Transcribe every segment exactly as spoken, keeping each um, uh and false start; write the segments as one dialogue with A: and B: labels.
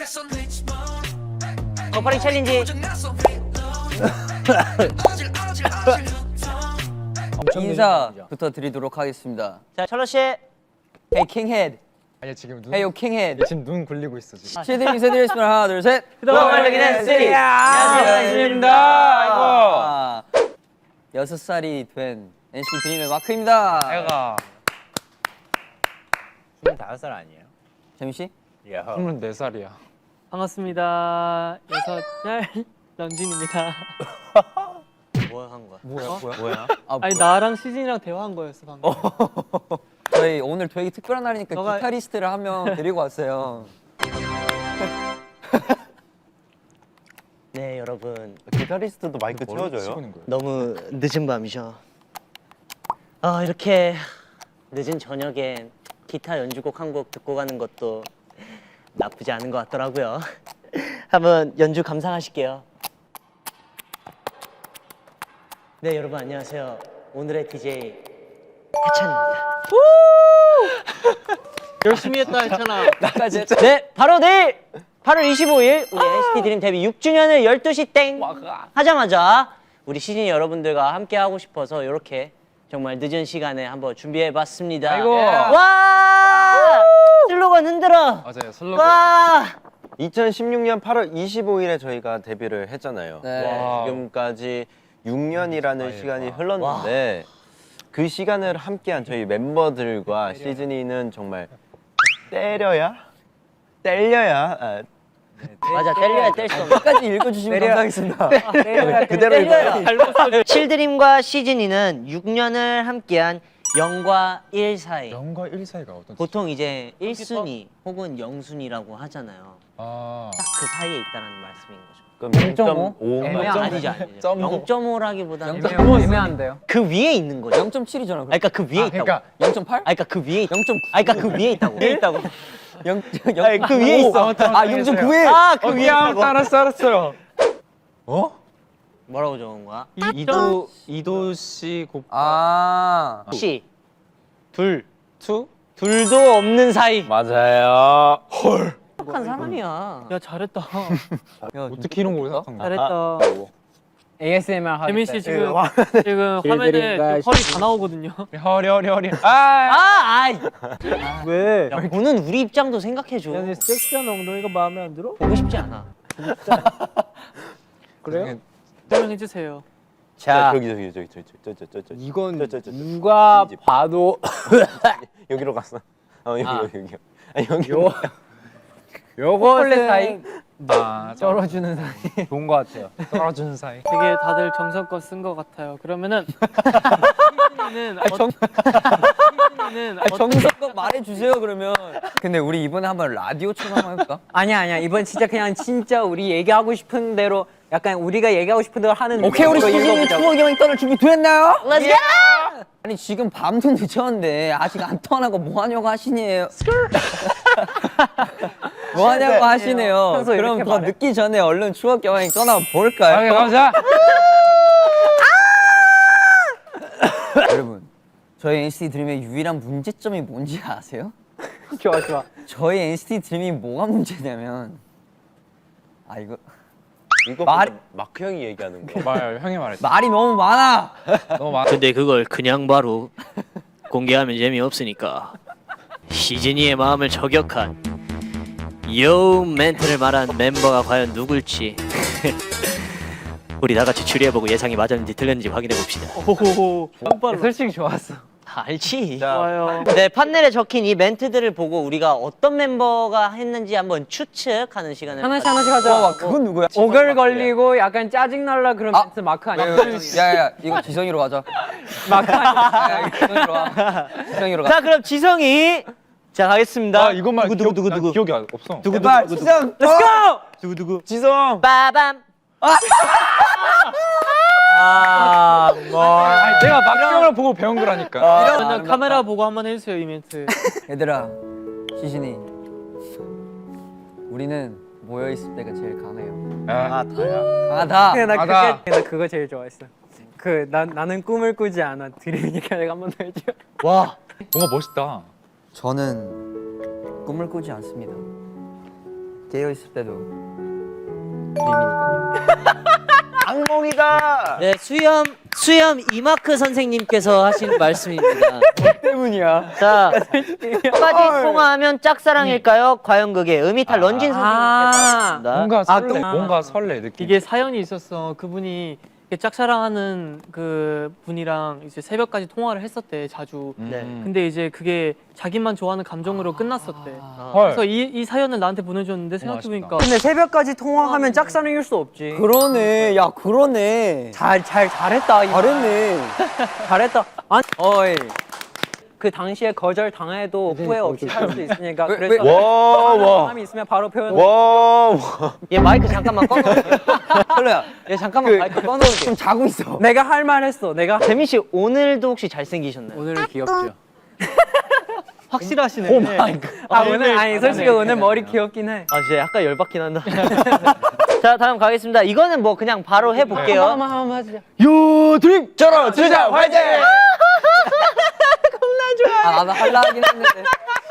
A: 버퍼링 챌린지.
B: 인사부터 드리도록 하겠습니다.
A: 자, 철러 씨.
B: Hey 킹헤드.
C: 아니야 지금 눈.
B: Hey yo 킹헤드.
C: 지금 눈 굴리고 있어 지금.
B: 시드 인사드리겠습니다. 하나 둘 셋.
A: 말르기는 쓰리.
B: 안녕하십니까.
C: 안녕하십니까.
B: 여섯 살이 된 엔시티 드림의 마크입니다.
C: 내가
D: 스물다섯 살 아니에요?
B: 재민 씨?
C: 스물네 살이야.
E: 반갑습니다. 여섯 살 런쥔입니다.
A: 뭐 한 거야?
C: 뭐야 뭐야?
D: 뭐야?
B: 아,
E: 아니 나랑 시진이랑 대화한 거였어 방금.
B: 저희 오늘 되게 특별한 날이니까
E: 너가-
B: 기타리스트를 한 명 데리고 왔어요.
A: 네, 여러분.
D: 기타리스트도 마이크
C: 뭘로
D: 채워줘요?
C: 치고 있는 거야?
A: 너무 늦은 밤이죠. 아, 이렇게 늦은 저녁에 기타 연주곡 한 곡 듣고 가는 것도 나쁘지 않은 것 같더라고요. 한번 연주 감상하실게요. 네, 여러분 안녕하세요. 오늘의 디제이 해찬입니다.
E: 열심히 했다 했잖아.
B: 나까지
A: 네, 바로 내일 팔월 이십오일 우리 엔시티 드림 데뷔 육 주년을 열두 시 땡 하자마자 우리 시즌 여러분들과 함께 하고 싶어서 이렇게 정말 늦은 시간에 한번 준비해봤습니다.
C: 아이고.
A: 와! 슬로건 흔들어.
C: 맞아요 슬로건.
A: 와!
D: 이천십육 년 팔월 이십오일에 저희가 데뷔를 했잖아요.
B: 네.
C: 와.
D: 지금까지 육 년이라는
C: 아예,
D: 시간이
C: 와.
D: 흘렀는데 그 시간을 함께한 저희 멤버들과 시즌이는 정말 때려야? 때려야? 아,
A: 맞아, 때려야 뗄 수 없는.
B: 끝까지 읽어주시면 감사하겠습니다.
D: 그대로 읽어요.
A: 칠드림과 시즌이는 육 년을 함께한 영과 일 사이.
C: 영과 일 사이가 어떤?
A: 보통 이제 일 순위 혹은 영 순위라고 하잖아요.
C: 아.
A: 딱 그 사이에 있다는 말씀인 거죠.
D: 그럼
B: 영 점 오?
D: 영 점 오?
B: 애매한-
A: 아니죠, 아니죠.
C: 점 오.
A: 영 점 오라기보다는
B: 영 점 오 애매한데요?
A: 그 위에 있는 거죠.
B: 영 점 칠이잖아.
A: 아니, 그러니까 그 위에
C: 아,
A: 있다고.
C: 그러니까
B: 영 점 팔?
A: 아니, 그러니까 그 위에 있다고.
B: 영 점 구.
A: 아니, 그러니까 그 위에 있다고. 위에 있다고.
B: 영,
A: 아니, 그 위에 있어.
B: 아, 영 점 구에.
A: 아, 그 위에 있다고.
C: 알았어 알았어요. 어?
A: 뭐라고 적은 거야?
C: 이도 이도 씨 곱.
B: 아.
A: 씨. 둘.
C: 투?
A: 둘도 없는 사이.
D: 맞아요.
A: 착한 사람이야.
E: 야 잘했다.
C: 어떻게 이런 걸 생각한 거야?
E: 잘했다.
B: 에이에스엠알 하겠다.
E: 재민 씨 지금 지금 화면에 지금 허리 다 나오거든요.
C: 허리 허리 허리. 아.
A: 아, 아이.
E: 왜?
A: 야, 너는 우리 입장도 생각해줘.
E: 야, 네 섹시한 엉덩이가 마음에 안 들어?
A: 보고 싶지 않아.
E: 그래요? 설명해 주세요.
D: 자, 저기 저기 저기 저기 저기 저기 저기 저기
B: 이건
D: 저, 저, 저, 저.
B: 누가
D: 이 집.
B: 봐도
D: 여기로 갔어. 어 여기
B: 아.
D: 여기 여기. 아 여기.
B: 요 요거는 사이
C: 아.
B: 쩔어주는 사이 좋은 것 같아요.
C: 떨어지는 사이.
E: 되게 다들 정성껏 쓴 것 같아요. 그러면은 시즌이는 어, 시즌이는
B: 아, 정석껏 말해주세요 그러면. 근데 우리 이번에 한번 라디오처럼 한번 해볼까?
F: 아니야 아니야 이번 진짜 그냥 진짜 우리 얘기하고 싶은 대로 약간 우리가 얘기하고 싶은 대로 하는
B: 오케이 우리
F: 느낌으로
B: 시즌이
F: 읽어보자고.
B: 추억 여행 떠날 준비 됐나요?
A: Let's go!
B: 아니 지금 밤도 늦었는데 아직 안 떠나고 뭐 하냐고 하시네요. 뭐 하냐고 하시네요.
F: 평소
B: 그럼
F: 이렇게
B: 더
F: 말해?
B: 늦기 전에 얼른 추억 여행 떠나 볼까요?
C: 오케이 가자.
B: 여러분 저희 엔시티 드림의 유일한 문제점이 뭔지 아세요?
F: 좋아 좋아
B: 저희 엔시티 드림이 뭐가 문제냐면 아 이거
D: 이거
B: 말이-
D: 마크 형이 얘기하는 거.
C: 말 형이 말했어.
B: 말이 너무 많아.
C: 너무 많아.
A: 근데 그걸 그냥 바로 공개하면 재미없으니까 시즈니의 마음을 저격한 요 멘트를 말한 멤버가 과연 누굴지 우리 다 같이 추리해보고 예상이 맞았는지 틀렸는지 확인해봅시다.
E: 오호호. 깜빡.
F: 솔직히 좋았어
A: 알지?
E: 좋아요.
A: 네, 판넬에 적힌 이 멘트들을 보고 우리가 어떤 멤버가 했는지 한번 추측하는 시간을
F: 하나씩 하나씩 하자
B: 와 그건 누구야?
F: 오글 걸리고 약간 짜증날라 그런
B: 아.
F: 멘트 마크 아니야?
B: 야야야 이거 지성이로 가자.
F: 마크 아니야?
B: 야, 이거 지성이로 와. 지성이로 가.
A: 자, 그럼 지성이 자 가겠습니다.
C: 아 이것만
A: 누구 누구 누구
C: 난
A: 누구
C: 기억이 안- 없어.
A: 누구
B: 제발
A: 누구 누구
B: 지성.
A: Let's go!
C: 누구 누구? 지성.
A: 빠밤. 아, 뭐.
C: 아니 내가 막경을 보고 배운 거라니까.
E: 그냥 카메라 보고 한번 해주세요 이 멘트.
B: 얘들아 시신이 우리는 모여 있을 때가 제일 강해요.
C: 아 다야.
B: 강하다.
F: 나
C: 맞아.
F: 그게 나 그거 제일 좋아했어 그 난 나는 꿈을 꾸지 않아 드림이니까 내가 한 번 더 해줘
A: 와.
C: 뭔가 멋있다.
B: 저는 꿈을 꾸지 않습니다. 깨어 있을 때도
D: 악몽이다.
A: 네, 수염 수염 이마크 선생님께서 하신 말씀입니다.
B: 때문이야.
A: 자, 끝까지 통화하면 짝사랑일까요? 과연 그게 음이탈 런쥔
F: 아.
A: 선생님께서
C: 뭔가
F: 아,
C: 설레,
F: 또-
C: 뭔가 설레 느낌.
E: 이게 사연이 있었어. 그분이 이렇게 짝사랑하는 그 분이랑 이제 새벽까지 통화를 했었대 자주.
A: 네.
E: 근데 이제 그게 자기만 좋아하는 감정으로 끝났었대.
C: 헐.
E: 그래서 이, 이 사연을 나한테 보내줬는데 생각해보니까
F: 근데 새벽까지 통화하면 짝사랑일 수 없지.
B: 그러네. 야 그러네.
F: 잘, 잘, 잘했다. 이거.
B: 잘했네.
F: 잘했다. 아니,
B: 어이.
F: 그 당시에 거절 당해도 후회 없이 살 수 있으니까
B: 왜,
F: 그래서
D: 와, 와.
F: 사람이 있으면 바로 표현.
D: 와, 와.
A: 얘 마이크 잠깐만 꺼놓을게.
B: 설레야.
A: 얘 잠깐만 마이크 꺼놓을게.
B: 좀 자고 있어.
F: 내가 할 말 했어. 내가
A: 재민 씨 오늘도 혹시 잘생기셨나요?
F: 오늘은 귀엽죠.
A: 확실하시네. 오 마이 갓.
F: 아 오늘 아니 솔직히 오늘 머리 귀엽긴 해.
A: 아 진짜 약간 열받긴 한다. 자 다음 가겠습니다. 이거는 뭐 그냥 바로 해볼게요.
F: 한번 한번 하자.
D: 요 드림 저러 주자 화이팅.
B: 아 나도 할라 하긴 했는데.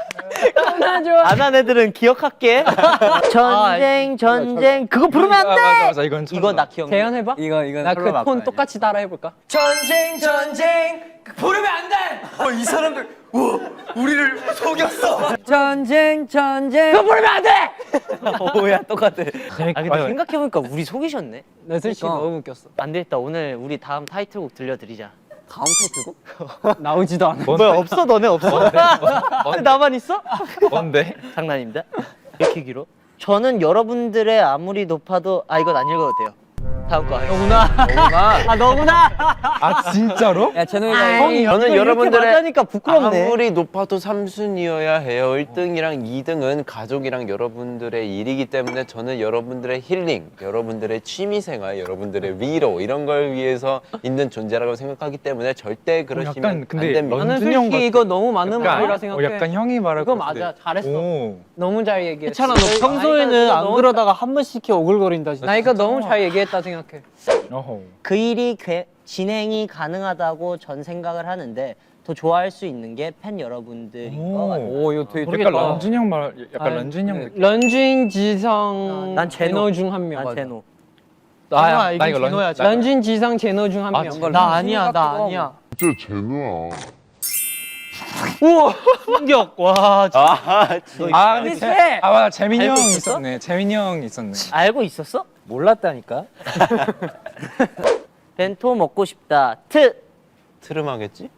A: 안 한 애들은 기억할게. 전쟁 전쟁 그거 부르면 안
C: 아,
A: 돼.
C: 맞아 맞아 이건
A: 이거 나 기억나.
F: 재현 해봐.
B: 이거 이거
F: 나 그 톤 똑같이 따라 해볼까?
B: 전쟁 전쟁 부르면 안 돼. 어, 이 사람들 우 우리를 속였어. 전쟁 전쟁. 그거 부르면 안 돼. 오야 똑같아.
A: 아 근데 생각해보니까 우리 속이셨네.
F: 나 솔직히
B: 그러니까.
F: 너무 웃겼어.
A: 안 되겠다. 오늘 우리 다음 타이틀곡 들려드리자.
B: 다음 타이틀곡?
F: 나오지도 않아.
A: 뭐야 없어 너네 없어? 나만 있어?
C: 뭔데?
A: 장난입니다. 이렇게 길어? 저는 여러분들의 아무리 높아도 아 이건 안 읽어도 돼요. 다음 거 하겠습니다. 너구나. 아 너구나.
C: 아 진짜로?
B: 야 제노이가
A: 형이
D: 저는 여러분들의
A: 하니까 부끄럽네.
D: 아무리 높아도 삼 순위여야 해요. 일 등이랑 이 등은 가족이랑 여러분들의 일이기 때문에 저는 여러분들의 힐링, 여러분들의 취미생활, 여러분들의 위로 이런 걸 위해서 있는 존재라고 생각하기 때문에 절대 그러시면
C: 약간 근데
D: 안 됩니다.
F: 나는
C: 런쥔이 형
F: 솔직히 이거 너무 맞는 말이라
C: 어,
F: 생각해.
C: 약간 형이 말할
F: 그거
C: 것 같은데.
F: 맞아. 잘했어.
C: 오.
F: 너무 잘 얘기했어.
E: 괜찮아. 너 평소에는 안 그러다가 한 번씩 이렇게 오글거린다 진짜.
F: 나 이거 너무 잘 얘기했다 생각해.
C: 어허.
A: 그 일이 괴- 진행이 가능하다고 전 생각을 하는데 더 좋아할 수 있는 게 팬 여러분들인 것 같아요.
B: 오 이거 되게
C: 약간 런쥔이 형 말, 약간
E: 아니,
C: 런쥔이 형 느낌.
F: 런쥔, 지성,
A: 난 제노.
F: 중 한 명.
A: 난 제노.
C: 나야,
E: 제노야, 이건
C: 나 이거
E: 제노야,
C: 런,
E: 제노.
F: 런쥔, 지성, 제노 중 한
C: 아,
F: 명.
C: 제노.
E: 나 아니야, 나 아니야.
G: 진짜 제노야.
E: 충격. 와. 진짜.
D: 아, 진짜.
C: 아 근데 제,
F: 비슷해.
C: 아 맞아 재민이
A: 알고
C: 형
A: 있었어?
C: 있었네. 재민이 형 있었네.
A: 알고 있었어?
F: 몰랐다니까.
A: 벤토 먹고 싶다. 트.
D: 트름하겠지?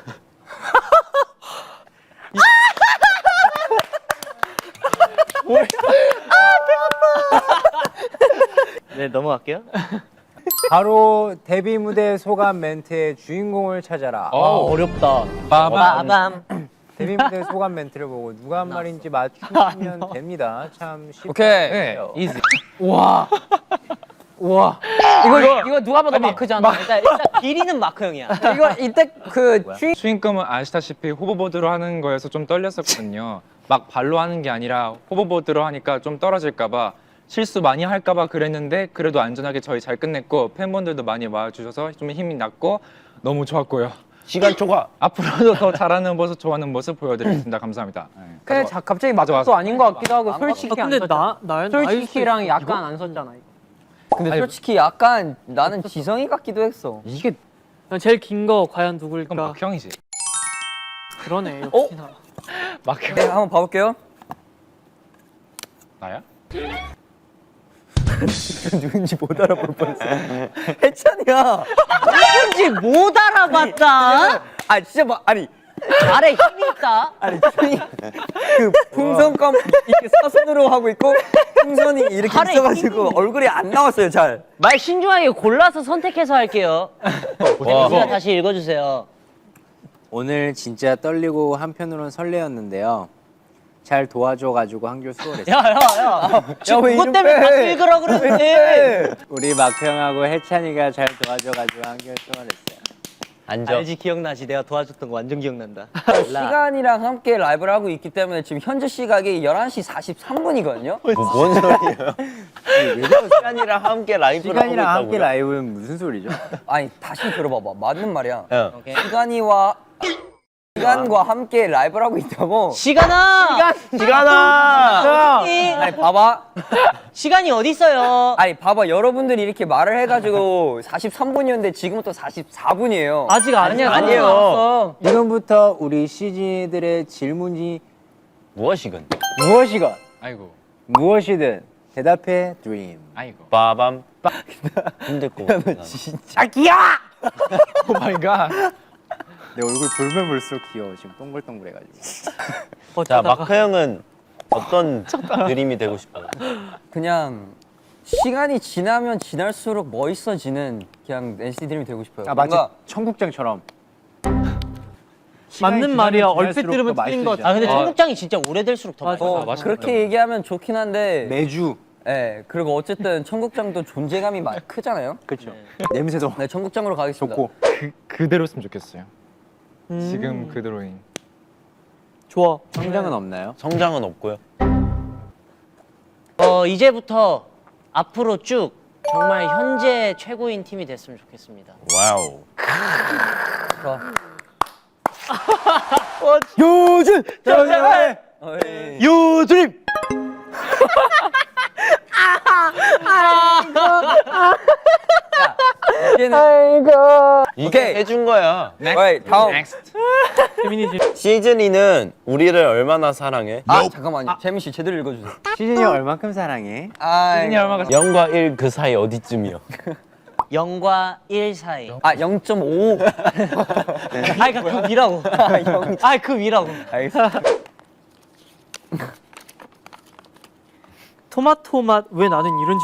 A: 네 넘어갈게요.
H: 바로 데뷔 무대 소감 멘트의 주인공을 찾아라.
C: 어,
A: 어렵다.
C: 빠밤.
A: 빠밤.
H: 데뷔 무대 소감 멘트를 보고 누가 한 말인지 맞추시면 됩니다. 참 쉽.
B: 오케이.
C: 네, 이지.
F: 우와. 우와. 이거 이거 누가 봐도 마크잖아.
A: 일단 일단 비리는 마크 형이야.
F: 이거 이때 그 주인
C: 수인금은 아시다시피 호버보드로 하는 거여서 좀 떨렸었거든요. 막 발로 하는 게 아니라 호버보드로 하니까 좀 떨어질까봐 실수 많이 할까봐 그랬는데 그래도 안전하게 저희 잘 끝냈고 팬분들도 많이 와주셔서 좀 힘이 났고 너무 좋았고요.
D: 시간 초과.
C: 앞으로도 더 잘하는 모습, 좋아하는 모습 보여드리겠습니다. 감사합니다. 네.
F: 그냥 자, 갑자기
C: 맞아,
F: 맞아
C: 맞아.
F: 아닌 것 같기도 하고 솔직히
E: 아, 근데
F: 안 썼잖아.
E: 나, 나,
F: 솔직히랑 약간 안 썼잖아. 이거.
B: 근데
C: 아니,
B: 솔직히 약간 나는 지성이 같기도 했어.
C: 이게
E: 제일 긴 거 과연
C: 이건
E: 누굴까?
C: 막형이지.
E: 그러네. 역시나.
C: 막형.
B: 네 한번 봐볼게요.
C: 나야?
B: 누군지 못 알아볼 뻔했어. 해찬이야.
A: 누군지 못 알아봤다.
B: 아 진짜 막 아니
A: 말에 힘이 있다.
B: 아니 형이 그 풍선껌 이렇게 사선으로 하고 있고 풍선이 이렇게
A: 팔에
B: 있어가지고 얼굴이 안 나왔어요 잘.
A: 말 신중하게 골라서 선택해서 할게요. 우리가 다시 읽어주세요.
H: 오늘 진짜 떨리고 한편으로는 설레었는데요. 잘 도와줘가지고 한결 수월했어요.
A: 야야야. 지금
B: 왜
A: 그것
B: 이름
A: 때문에
B: 빼?
A: 박수 읽으라 그러는데.
H: 우리 막형하고 해찬이가 잘 도와줘가지고 한결 수월했어요.
D: 앉아.
A: 알지 기억나지? 내가 도와줬던 거 완전 기억난다.
B: 시간이랑 함께 라이브를 하고 있기 때문에 지금 현재 시각이 열한 시 사십삼 분이거든요.
D: 뭐, 뭔 소리예요? 시간이랑 함께 라이브를
H: 시간이랑
D: 하고
H: 함께
D: 있다고요?
H: 라이브는 무슨 소리죠?
B: 아니 다시 들어봐봐. 맞는 말이야.
D: 어.
A: 오케이.
B: 시간이와 시간과 함께 라이브를 하고 있다고.
A: 시간아!
D: 시간아.
B: 아니 봐봐.
A: 시간이 어디 있어요?
B: 아니 봐봐 여러분들이 이렇게 말을 해가지고 사십삼 분이었는데 지금은 또 사십사 분이에요.
E: 아직 아니야.
D: 아니에요.
H: 지금부터 우리 시즌이들의 질문이
D: 무엇이건.
H: 무엇이건
C: 아이고,
H: 무엇이든 대답해 드림.
C: 아이고.
D: 빠밤. 힘들 거 같아.
C: 오 마이 갓.
H: 내 얼굴 볼면 볼수록 귀여워. 지금 동글동글해가지고.
D: 자, 마크 형은 어떤 드림이 되고 싶어요?
B: 그냥 시간이 지나면 지날수록 멋있어지는 그냥 엔시티 드림이 되고 싶어요.
H: 아 마치
B: 뭔가
H: 청국장처럼.
E: 맞는 말이야. 얼핏 들으면 틀린 것 같아.
A: 아 근데
C: 어.
A: 청국장이 진짜 오래될수록 더
E: 맞아.
A: 맛있어.
B: 어,
C: 맞아.
B: 그렇게 얘기하면 좋긴 한데
H: 매주.
B: 예, 그리고 어쨌든 청국장도 존재감이 많이 크잖아요.
H: 그렇죠. 냄새도
B: 네, 청국장으로 가겠습니다.
H: 좋고.
C: 그 그대로였으면 좋겠어요.
E: 음.
C: 지금 그대로인.
E: 좋아.
H: 성장은 없나요?
D: 성장은 없고요.
A: 어 이제부터 앞으로 쭉 정말 현재 최고인 팀이 됐으면 좋겠습니다.
D: 와우.
H: 요즘 저녁에
B: 어이.
H: 요드림.
B: 이제는
D: 이게
B: 오케이.
D: 해준 거야.
B: 어이, 다음.
E: 재민이
D: 시즌이는 우리를 얼마나 사랑해?
B: 아 잠깐만요. 재민 씨 제대로 읽어주세요.
H: 시즌이 얼만큼 사랑해?
B: 아,
C: 시즌이 얼마가
D: 영과 일 그 사이 어디쯤이요?
A: 영과 일 사이.
B: 아 영 점 오.
A: 아이 그 위라고. 아이 그 위라고.
B: 알겠습니다.
E: 토마토 맛 왜 나는 이런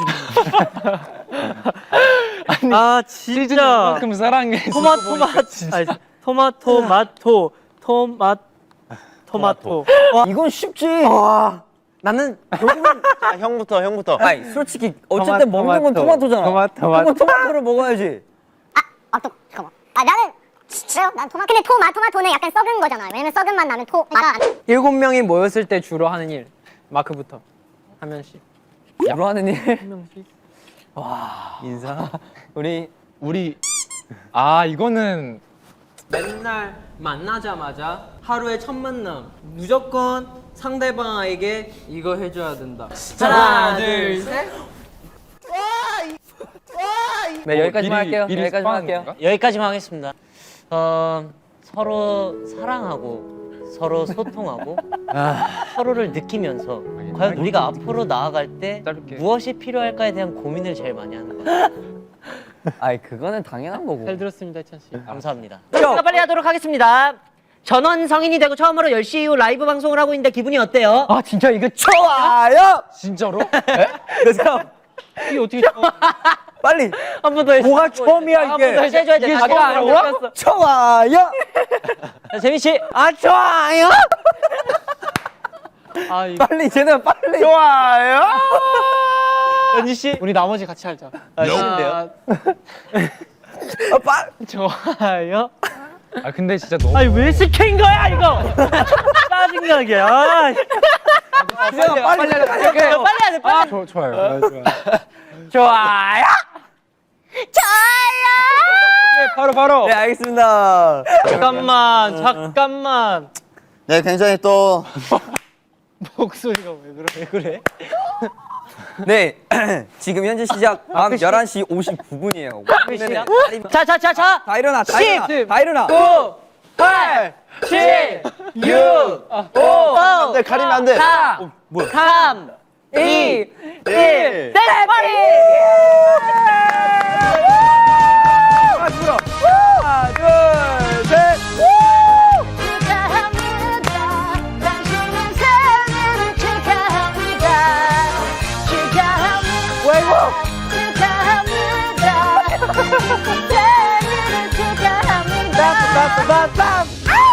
E: 질문? 아 진짜
C: 그만큼 사랑해.
E: 토마토 맛 아니, 토마토 맛토 토맛 토마토.
B: 이건 쉽지.
A: 나는
D: 자, 형부터 형부터.
B: 아니 솔직히 어쨌든
H: 토마토,
B: 먹는 건
H: 토마토.
B: 토마토잖아.
H: 토마토,
B: 그건 토마토를 먹어야지.
G: 아, 또 잠깐만. 아, 나는 진짜요? 난 토마. 근데 토마 토마토는 약간 썩은 거잖아. 왜냐면 썩은 맛 나면 토. 그러니까
E: 일곱 명이 모였을 때 주로 하는 일. 마크부터 한 명씩.
B: 주로 하는 일.
E: 한 명씩.
B: 인사. 우리
C: 우리 아 이거는
E: 맨날 만나자마자 하루의 첫 만남 무조건 상대방에게 이거 해줘야 된다. 하나, 둘, 셋.
B: 네 여기까지만
C: 미리-
B: 할게요.
C: 미리
B: 여기까지만
C: 스파하는
B: 할게요.
C: 건가?
A: 여기까지만 하겠습니다. 어 서로 사랑하고 서로 소통하고 서로를 느끼면서 과연 우리가 앞으로 나아갈 때
C: 짧게.
A: 무엇이 필요할까에 대한 고민을 제일 많이 하는 것 같아요.
B: 아이 그거는 당연한 거고.
E: 잘 들었습니다, 찬 씨.
A: 감사합니다. 제가 빨리 하도록 하겠습니다. 전원 성인이 되고 처음으로 열 시 이후 라이브 방송을 하고 있는데 기분이 어때요?
B: 아 진짜 이거 좋아요.
C: 진짜로?
B: 그래서
E: 이게 어떻게 좋아?
B: 빨리
A: 한 번 더 해주세요.
B: 뭐가 처음이야 이게.
A: 다시 해줘야 돼. 다시
B: 아,
A: 해줘야 돼.
B: 뭐야? 좋아요.
A: 자, 재민 씨.
B: 아 좋아요.
E: 아, 이거
B: 빨리 쟤는 빨리. 좋아요.
A: 연지 씨.
E: 우리 나머지 같이 할자.
A: 아, 싫은데요?
B: 아, 빨.
E: 좋아요.
C: 아 근데 진짜 너무
E: 아니 왜 시킨 거야 이거? 짜증나게. 아,
B: 빨리 빨리 빨리 빨리.
A: 빨리 해야 돼. 빨리.
C: 좋- 좋아요. 아, 좋아요.
B: 좋아요.
C: 네, 바로 바로.
B: 네 알겠습니다.
E: 잠깐만, 잠깐만.
B: 네 굉장히 또.
E: 목소리가 왜 그래? 왜 그래?
B: 네 지금 현재 시작 밤 열한 시 오십구 분이에요.
A: 자, 자, 자, 자.
B: 다 일어나 다
A: 십,
B: 일어나 다 일어나.
A: 팔, 칠, 육, 오,
D: 네, 가리면 안 돼.
A: 사, 삼, 이, 일. 네, 빨리.
B: 하나 둘 셋.
G: 축하합니다. 당신의 생일을 축하합니다. 축하합니다. 축하합니다. 생일을 축하합니다.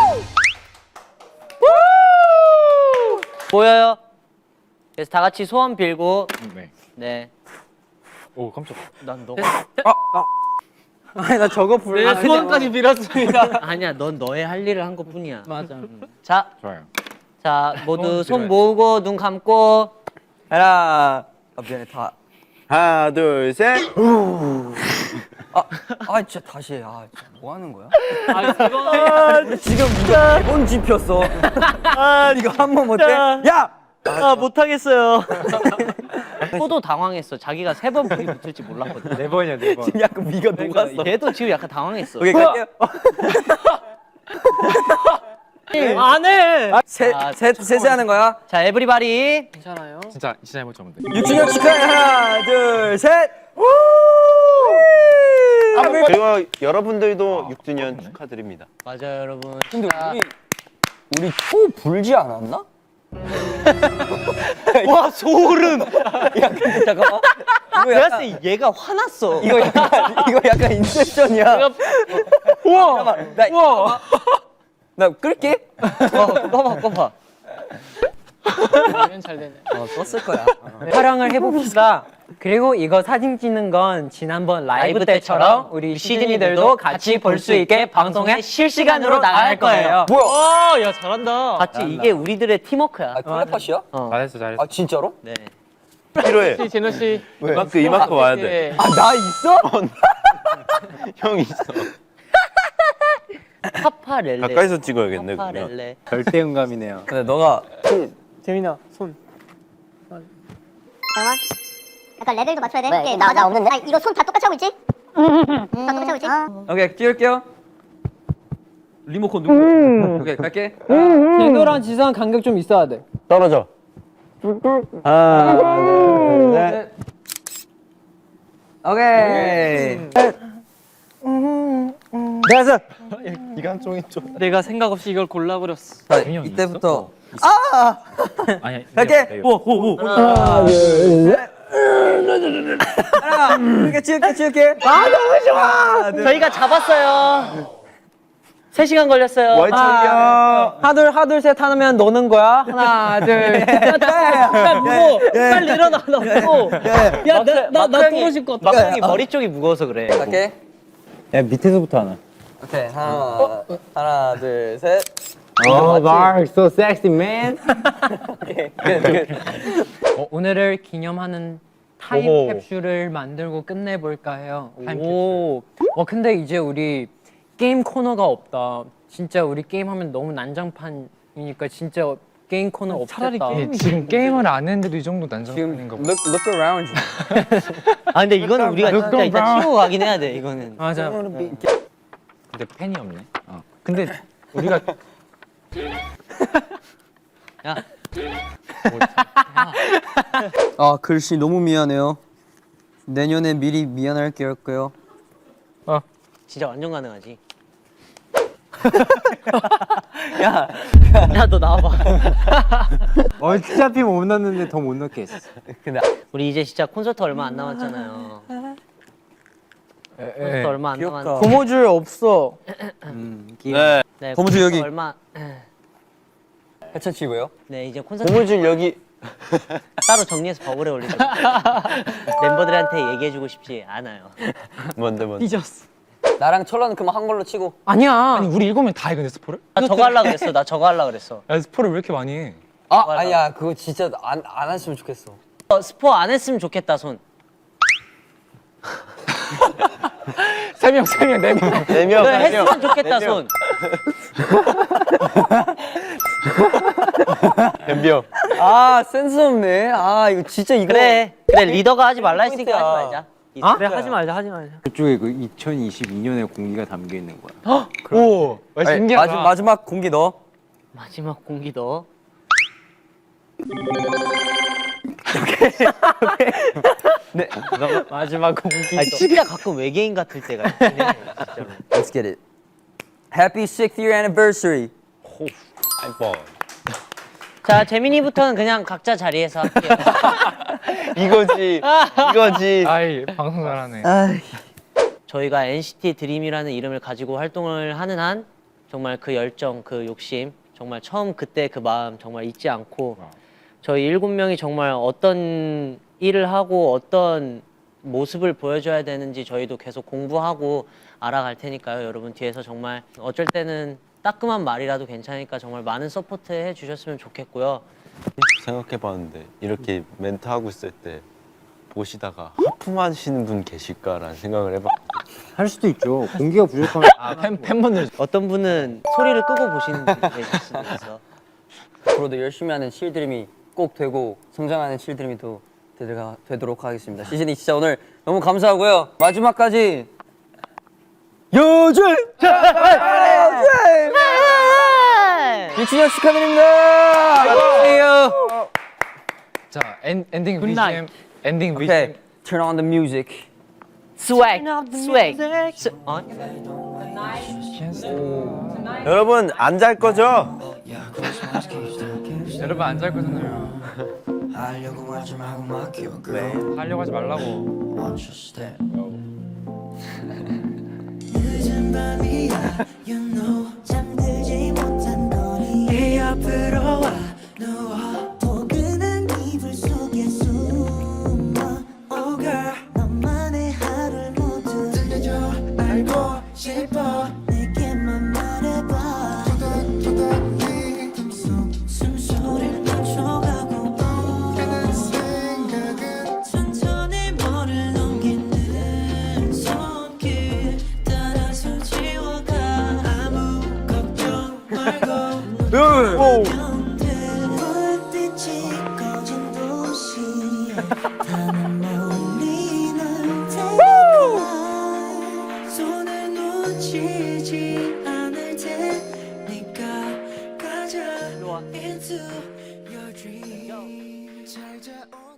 A: 보여요? 그래서 다 같이 소원 빌고
C: 네.
A: 네.
C: 오 깜짝.
A: 난 너.
B: 아니 나 저거 불러.
E: 네, 소원까지 빌었습니다.
A: 아니야, 넌 너의 할 일을 한 것뿐이야.
E: 맞아.
A: 자,
C: 좋아요.
A: 자 모두 손
C: 빌어요.
A: 모으고 눈 감고.
B: 하나. 아 미안해 다.
D: 하나 둘 셋.
B: 아, 아 진짜 다시 해. 아, 진짜 뭐 하는 거야?
E: 아, 이거
B: 지금 이거 대본 집혔어. 아, 이거 한 번 못해? 야!
A: 아 못하겠어요. 포도 당황했어. 자기가 세 번 불이 붙을지 몰랐거든.
H: 네 번이야 네 번.
B: 지금 약간 위가 녹았어.
A: 얘도 지금 약간 당황했어.
B: 오케이, 갈게요.
E: 안 해.
B: 셋,
A: 아,
B: 셋, 셋이 하는 거야.
A: 자 에브리바디.
E: 괜찮아요.
C: 진짜 진짜 해볼 줄 알았는데.
B: 육 주년 축하해. 하나, 둘, 셋. 우!
D: 그리고 여러분들도 육 주년 축하드립니다.
A: 맞아요 여러분.
B: 근데 우리 우리 초 불지 않았나?
A: 와 소름.
B: 야, 근데 잠깐만. 이거
A: 내가
B: 약간
A: 봤을 때 얘가 화났어.
B: 이거 약간 이거 약간 인셉션이야. 우와. 나 우와. 나 끌게.
A: 어, 꺼봐 꺼봐.
E: 이건 잘 되네.
B: 어, 썼을 거야.
F: 촬영을 해봅시다. 그리고 이거 사진 찍는 건 지난번 라이브,
A: 라이브
F: 때처럼
A: 때처럼
F: 우리
A: 시드니들도
F: 시드니들도 같이 볼 수 있게 방송에 실시간으로 나갈 거예요.
B: 뭐야?
E: 와, 야 잘한다.
A: 봤지 이게 우리들의 팀워크야.
B: 아, 텔레파시야?
C: 잘했어 잘했어.
B: 아, 진짜로?
A: 네.
D: 필요해.
E: 씨, 제노 씨.
D: 이만큼 이만큼 와야 돼.
E: 예.
B: 아, 나 있어?
D: 형 있어.
A: 파파렐레.
D: 가까이서 찍어야겠네 그러면.
A: 파파렐레.
H: 절대음감이네요.
B: 근데 너가
E: 재민아, 손.
G: 잠깐만. 약간 레벨도 맞춰야 돼. 왜? 나, 나 없는데? 아, 이거 손 다 똑같이 하고 있지? 다 똑같이 하고 있지?
B: 오케이, 찍을게요. 리모컨 누구? 오케이, 갈게.
E: 제노랑 지성 간격 좀 있어야 돼.
D: 떨어져. 하나, 둘, 셋.
B: 오케이.
H: 됐어.
C: 기관총이 좀.
E: 내가 생각 없이 이걸 골라버렸어.
B: 자,
C: 재민이 형
B: 이때부터
C: 아니.
B: 갈게.
C: 오.
B: 하나, 둘, 셋. 하나, 이렇게 찍을게, 찍을게. 아, 너무 좋아.
A: 저희가 잡았어요. 세 시간 걸렸어요.
D: 와이야
F: 하둘 하둘 셋 하면 노는 거야. 하나 둘.
E: 야, 무거워. 빨리 일어나, 나 무거워. 야, 나, 나, 나 떨어질 것 같아.
A: 막상이 머리 쪽이 무거워서 그래.
B: 갈게.
H: 야 밑에서부터 하나.
B: 오케이, 하나, 하나, 둘, 셋.
H: 어, Mark, so sexy man.
F: 어, 오늘을 기념하는 타임
D: 오호.
F: 캡슐을 만들고 끝내볼까 해요. 타임
A: 오.
F: 캡슐. 어 근데 이제 우리 게임 코너가 없다. 진짜 우리 게임하면 너무 난장판이니까 진짜 게임 코너 없겠다.
E: 차라리 게임이
C: 지금 게임을 안 했는데도 이 정도
B: 지금
C: 난장판인가 봐.
B: look, look around you.
A: 아 근데 이거는 우리가 진짜 이따 치우고 가긴 해야 돼 이거는.
F: 맞아.
C: 근데 펜이 없네. 어. 근데 우리가
A: 야
B: 아, 글씨 너무 미안해요. 내년에 미리 미안할게요.
A: 진짜 완전 가능하지. 야, 야 너 나와봐.
H: 어차피 못 넣는데 더 못 넣게 했어.
A: 우리 이제 진짜 콘서트 얼마 안 남았잖아요. 콘서트 얼마 안
B: 귀엽다.
A: 남았.
E: 고무줄 없어.
H: 음,
D: 네.
A: 네,
B: 고무줄
A: 콘서트
B: 여기.
A: 얼마.
B: 해천치고요.
A: 네 이제 콘서트
D: 고무줄 여기.
A: 따로 정리해서 버블에 올리죠. 멤버들한테 얘기해주고 싶지 않아요.
D: 뭔데 뭔데.
E: 삐졌어.
B: 나랑 철러는 그만 한 걸로 치고.
F: 아니야.
C: 아니 우리 일곱 명 다 해 근데 스포를?
A: 나 저거 하려고 그랬어. 나 저거 하려고 그랬어.
C: 야 스포를 왜 이렇게 많이 해?
B: 아, 아니야. 그거 진짜 안, 안 했으면 좋겠어.
A: 어, 스포 안 했으면 좋겠다 손.
C: 세 명, 세 명, 네 명.
D: 네 명.
A: 그래,
D: 네 명.
A: 했으면 좋겠다 손.
D: 덤벼.
B: 아, 센스 없네. 아, 이거 진짜 이거.
A: 그래 그래 리더가 하지 말라 했으니까 하지 말자.
F: 어?
E: 그래, 하지 말자, 하지 말자.
H: 그쪽에 그 이천이십이 년의 공기가 담겨 있는 거야.
C: 오, 와,
B: 아니,
C: 신기하다.
B: 마지, 마지막 공기 넣어.
A: 마지막 공기 넣어.
B: 네.
F: 마지막 공기.
A: 아 진짜 가끔 외계인 같을 때가 있긴 해 진짜로.
B: Let's get it. Happy sixth year anniversary.
D: 아이고.
A: 자 재민이부터는 그냥 각자 자리에서 할게요.
D: 이거지. 이거지.
C: 아이 방송 잘하네.
A: 저희가 엔시티 드림이라는 이름을 가지고 활동을 하는 한 정말 그 열정, 그 욕심, 정말 처음 그때 그 마음 정말 잊지 않고 저희 일곱 명이 정말 어떤 일을 하고 어떤 모습을 보여줘야 되는지 저희도 계속 공부하고 알아갈 테니까요. 여러분 뒤에서 정말 어쩔 때는 따끔한 말이라도 괜찮으니까 정말 많은 서포트 해주셨으면 좋겠고요.
D: 생각해봤는데 이렇게 멘트 하고 있을 때 보시다가 하품하시는 분 계실까라는 생각을 해봤.
H: 할 수도 있죠. 공기가 부족하면
C: 아, 팬, 팬분들
A: 어떤 분은 소리를 끄고 보시는 분이 계실 수도 있어.
B: 앞으로도 열심히 하는 칠드림이 꼭 되고 성장하는 칠드림이 또 되도록, 되도록 하겠습니다. 시즌이 진짜 오늘 너무 감사하고요. 마지막까지 요즘 육 주년 축하드립니다. 안녕하세요.
C: 자 엔, 엔딩
E: 굿나잇.
C: 비지엠 엔딩
B: 오케이,
C: 비지엠
B: turn on the music.
A: 스웩, 스웩. 스- 어?
D: 여러분 안 잘 거죠?
C: 여러분 안 잘 거잖아요. 네, 하려고 하지 말라고.
I: 잠들지 못한 거리 네 앞으로 와 누워 포근한 이불 속에 숨어 Oh girl 너만의 하루를 모두 들려줘 알고 싶어 내게만 말해봐 숨소리를 맞춰가고 드는 생각은 천천히 머리를 넘기는 손길 따라서 지워가 아무 걱정 말고 불빛이 꺼진 도시에 나는 멀리는 테니까 손을 놓치지 않을 테니까 가자 into your dream 잘 자.